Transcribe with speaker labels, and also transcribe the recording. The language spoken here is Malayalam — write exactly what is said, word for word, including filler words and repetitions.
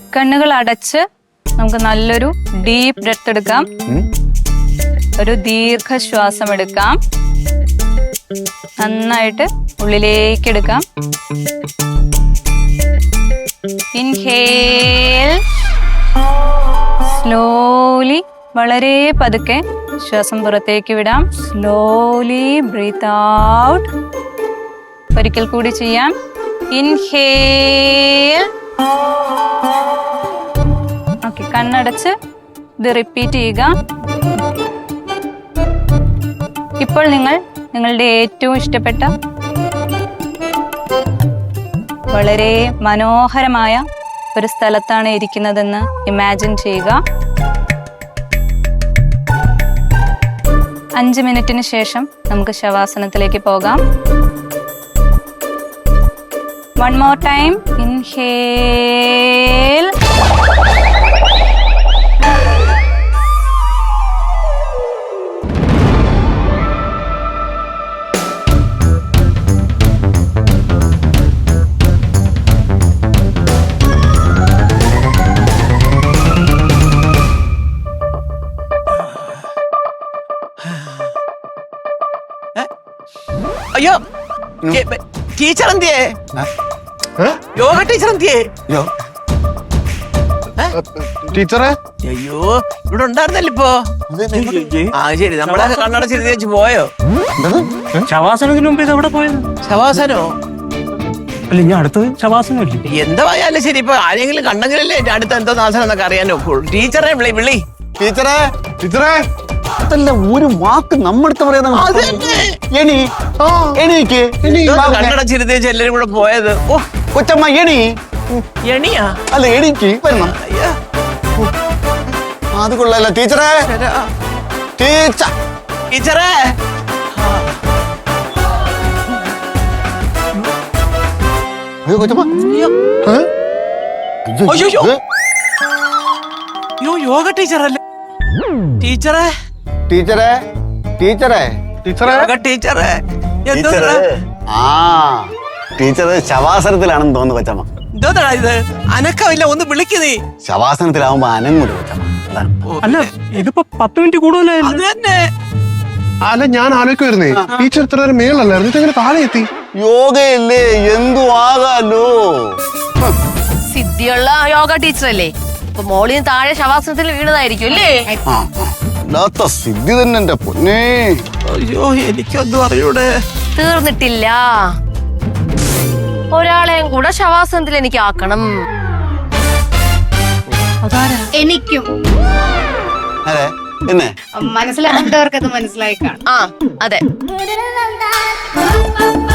Speaker 1: കണ്ണുകൾ അടച്ച് നമുക്ക് നല്ലൊരു ഡീപ്പ് ബ്രെത്ത് എടുക്കാം. ഒരു ദീർഘശ്വാസം എടുക്കാം. നന്നായിട്ട് ഉള്ളിലേക്ക് എടുക്കാം. ഇൻഹേൽ. സ്ലോലി വളരെ പതുക്കെ ശ്വാസം പുറത്തേക്ക് വിടാം. Slowly breathe out. ഒരിക്കൽ കൂടി ചെയ്യാം. ഇൻഹേൽ. ഓക്കെ, കണ്ണടച്ച് ഇത് റിപ്പീറ്റ് ചെയ്യുക. ഇപ്പോൾ നിങ്ങൾ നിങ്ങളുടെ ഏറ്റവും ഇഷ്ടപ്പെട്ട വളരെ മനോഹരമായ ഒരു സ്ഥലത്താണ് ഇരിക്കുന്നതെന്ന് ഇമാജിൻ ചെയ്യുക. അഞ്ച് മിനിറ്റിന് ശേഷം നമുക്ക് ശവാസനത്തിലേക്ക് പോകാം. One more time. ഇൻഹേൽ.
Speaker 2: അയ്യോ, ടീച്ചർ എന്തിയേ? യോഗ ടീച്ചർ എന്തിയേ?
Speaker 3: ടീച്ചറെ,
Speaker 2: അയ്യോ, ഇവിടെ ഉണ്ടായിരുന്നല്ലോ ഇപ്പോ. ആ ശരി, നമ്മളെ കണ്ണടച്ചിരുത്തി വെച്ച് പോയോ?
Speaker 4: ശവാസനത്തിന് മുമ്പ് ഇത് എവിടെ പോയത്?
Speaker 2: ശവാസനോ?
Speaker 4: അല്ല, ഞാൻ അടുത്തത് ശവാസനം ഇല്ലേ?
Speaker 2: എന്തായാലും ശരി, ഇപ്പൊ ആരെങ്കിലും കണ്ടെങ്കിലല്ലേ എന്റെ അടുത്ത് എന്തോ നാശനം എന്നൊക്കെ അറിയാൻ നോക്കുള്ളൂ. ടീച്ചറെ വിളി വിളി.
Speaker 3: ടീച്ചറെ, ടീച്ചറെ,
Speaker 5: അതല്ല ഒരു വാക്ക് നമ്മടുത്ത് പറയുന്ന എണി എണീക്ക്.
Speaker 2: കണ്ണടച്ചിരുത്തി വെച്ച് എല്ലാരും കൂടെ പോയത്. ഓ
Speaker 5: കൊച്ചമ്മ എണി.
Speaker 2: എണിയാ?
Speaker 5: അല്ല, എണീക്ക് വരണം. അത് കൊള്ളാല. ടീച്ചറെ, ടീച്ചർ,
Speaker 2: ടീച്ചറെ.
Speaker 5: അയ്യോ കൊച്ചമ്മ.
Speaker 2: അയ്യോ, അയ്യോ, യോഗ ടീച്ചറല്ലേ? ടീച്ചറെ,
Speaker 5: ടീച്ചറെ, ടീച്ചറെ,
Speaker 3: ടീച്ചറെ,
Speaker 2: യോഗ ടീച്ചറെ. എന്തോ
Speaker 5: ആ ടീച്ചർ ശവാസനത്തിലാണെന്ന് തോന്നുന്നു കൊച്ചമ്മ.
Speaker 2: എന്തോന്നാ ഇത്? അനക്കമില്ല, ഒന്ന് വിളിക്കുന്നേ.
Speaker 5: ശവാസനത്തിലാവുമ്പോ അനങ്ങൂല കൊച്ചമ്മ. അതാണ്.
Speaker 4: അല്ല, ഇതിപ്പോ പത്ത് മിനിറ്റ് കൂടുതലായിരുന്നു.
Speaker 2: അത് തന്നെ.
Speaker 3: അല്ല, ഞാൻ ആലോചിക്കുവായിരുന്നേ, ടീച്ചർ ഇത്ര നേരം മേളല്ലായിരുന്നു, ഇതെങ്ങനെ താഴെ എത്തി?
Speaker 5: യോഗയല്ലേ, എന്തു ആകാലോ.
Speaker 6: സിദ്ധിയുള്ള യോഗ ടീച്ചറല്ലേ? അപ്പൊ മോളിന് താഴെ ശവാസനത്തിൽ വീണതായിരിക്കും അല്ലേ?
Speaker 5: അല്ലാത്ത സിദ്ധി തന്നെ എന്റെ പൊന്നേ.
Speaker 2: അയ്യോ, എനിക്കൊന്നും അറിയൂടെ.
Speaker 6: തീർന്നിട്ടില്ല. ഒരാളെയും കൂടെ ശവാസനത്തിൽ എനിക്ക് ആക്കണം.
Speaker 7: എനിക്കും
Speaker 5: അതെ, പിന്നെ
Speaker 7: മനസ്സിലാകേണ്ടവർക്ക് അത് മനസ്സിലായി കാണും.
Speaker 6: ആ, അതെ.